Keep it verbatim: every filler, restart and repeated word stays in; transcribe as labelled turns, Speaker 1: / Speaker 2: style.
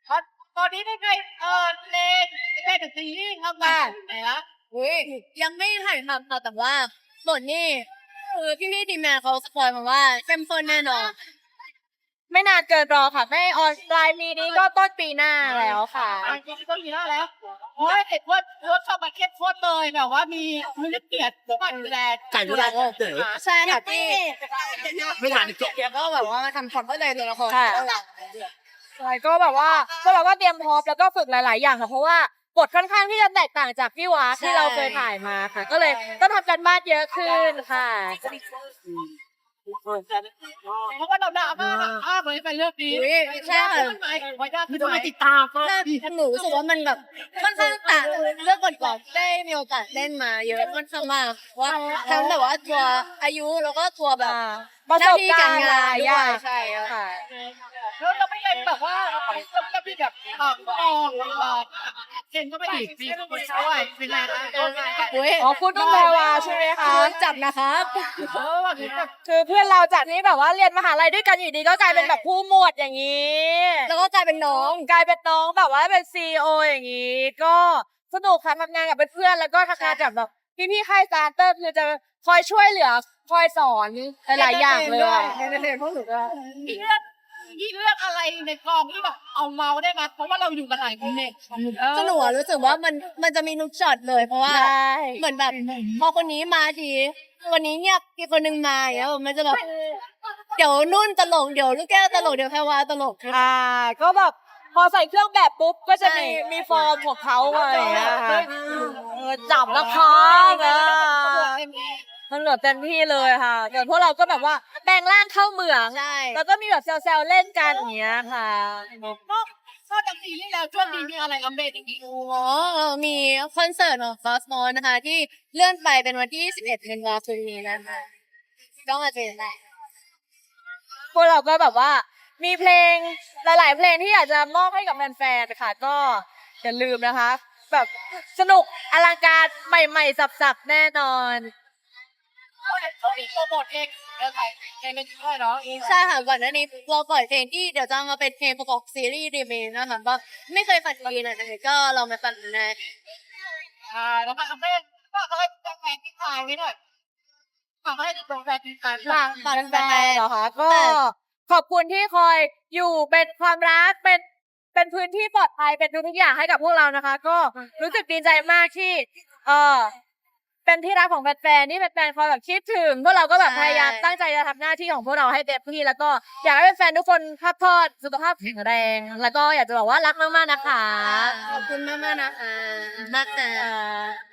Speaker 1: ตอนตอนนี้ได้ไงเออเลนเล่นซีรีส์ทำงานไหนละ
Speaker 2: อุ้ยยังไม่ถ่ายทำค่ะแต่ว่าบทนี่คือพี่พี่ทีมงานเขาสปอยมาว่าเข้มข้นแน่นอนไม่นานเกินรอค่ะไม่ออนปลายปีนี้ก็ต้นปีหน้าแล้วค่ะ
Speaker 1: จริงๆก็มีแล้วแล้วโอ้ยเห็นว่ารถเข้ามาเข้มข้นเลยแบบว่ามีมีเกียรติมาดูแล
Speaker 3: ไก่ดูแลก็เต๋อ
Speaker 2: ใช่ค่ะพี่
Speaker 3: ไม่ทันอีก
Speaker 2: แกก็แบบว่ามาทำความเข้าใจตัวละคร
Speaker 4: ค่ะ ใช่ก็แบบว่าก็แบบว่าเตรียมพร้อมแล้วก็ฝึกหลาย ๆ อย่างค่ะเพราะว่าบทค่อนข้างที่จะแตกต่างจากพี่วาที่เราเคยถ่ายมาค่ะ ก็เลยต้องทำกันบ้านเยอะขึ้นค่ะ
Speaker 1: เพราะว่าเราด่ามากอ้าเลยเป็นเรื่องนี้
Speaker 2: อุ๊ยใช่ค่ะ
Speaker 1: ไว้ได้
Speaker 3: ไม่ต้องมาติดตามก็
Speaker 2: ถ้าหนูรู้สึกว่ามันแบบค่อนข้างต่างเรื่องก่อนๆได้มีโอกาสเล่นมาเยอะค่อนข้างมากว่าทั้งแบบว่าตัวอายุแล้วก็ตัวแบบ
Speaker 4: ประสบการณ์หลายอย่าง
Speaker 2: ใช่ค่ะ
Speaker 4: ค่ะ
Speaker 1: แล้วเราไม่เป็นแบบว่าเราไม่เป็นแบบอ่างมองเก่งก็ไม่ดีมีคนช่วยเป็นไงคะ
Speaker 2: อุ้ย
Speaker 4: อ๋อคุณต้องแปลว่าใช่ไหมคะ
Speaker 2: โดนจับนะครับ
Speaker 1: เออแบบนี้แบบ
Speaker 4: คือเพื่อนเราจากที่แบบว่าเรียนมหาลัยด้วยกันอยู่ดีก็กลายเป็นแบบผู้หมวดอย่างนี้
Speaker 2: แล้วก็กลายเป็นน้อง
Speaker 4: กลายเป็นน้องแบบว่าเป็นซีอีโออย่างนี้ ก็สนุกค่ะทำงานกับเพื่อนๆแล้วก็ทำงานกับแบบพี่ๆค่ายสตาร์เตอร์คือจะคอยช่วยเหลือคอยสอนหลายๆอย่างเลยอะ
Speaker 2: เอนเตอร์เทนพวกหนูก็
Speaker 1: มีเรื่องมีเรื่องอะไรในกองที่แบบเอาเมาได้ไหมเพราะว่าเราอยู่กันหลายคนเนี่ย
Speaker 2: ก็หนูอะรู้สึกว่ามันมันจะมีนุกช็อตเลยเพราะว่า
Speaker 4: ใช่
Speaker 2: เหมือนแบบพอคนนี้มาทีวันนี้เงียบอีกคนหนึ่งมาอย่างเงี้ยมันจะแบบเดี๋ยวนุ่นตลกเดี๋ยวลูกแก้วตลกเดี๋ยวแพรวาตลก
Speaker 4: อ่าก็แบบพอใส่เครื่องแบบปุ๊บก็จะมี
Speaker 2: ใช่
Speaker 4: มีฟอร์มของเขาอะไรอย่างเงี้ยค่ะเออจับแล้วครับอ่ะมันเหลือเต็มที่เลยค่ะแต่พวกเราก็แบบว่าแปลงร่างเข้าเหมือง
Speaker 2: ใช่
Speaker 4: แล้วก็มีแบบแซวๆเล่นกันอย่างเงี้ยค่ะ
Speaker 1: นอกนอกจากซีรีส์แล้วช่วงนี้มีอะไรอัปเดตอีกที
Speaker 2: โอ้โหมีคอนเสิร์ตของฟอสมอนนะคะ ที่เลื่อนไปเป็นวันที่สิบเอ็ดธันวาคมนี้นะคะก็มาเจอกันได้
Speaker 4: พวกเราก็แบบว่ามีเพลงหลายๆเพลงที่อยากจะมอบให้กับแฟนๆค่ะก็อย่าลืมนะคะ แบบสนุกอลังการใหม่ๆสับๆแน่นอน
Speaker 1: เขาอีกโปรโมทเองแล้วใส่เองเป็นช่วยเนาะ
Speaker 2: ใช่ค่ะก่อนหน้านี้เราปล่อยเพลงที่เดี๋ยวจะมาเป็นเพลงประกอบซีรีส์รีเมคนะคะก็ไม่เคยฝันดีนะก็ลองมาฟังดูนะ
Speaker 1: อ่าแล้วก็อัปเดตก็อะไรแฟนที่ถ่ายไว้หน่อยฝากให้แฟนที่ถ่าย
Speaker 2: ฝากฝากแฟน
Speaker 4: เหรอคะก็ขอบคุณที่คอยอยู่เป็นความรักเป็นเป็นพื้นที่ปลอดภัยเป็นทุกๆอย่างให้กับพวกเรานะคะ ก็รู้สึกดีใจมากที่เออเป็นที่รักของแฟนๆที่แฟนๆคอยแบบคิดถึงพวกเราก็แบบพยายามตั้งใจจะทำหน้าที่ของพวกเราให้เต็มที่แล้วก็อยากให้แฟนๆทุกคนพักผ่อนสุขภาพแข็งแรง แล้วก็อยากจะบอกว่ารักมากๆนะคะ
Speaker 2: ขอบคุณมากๆนะคะมากค่ะ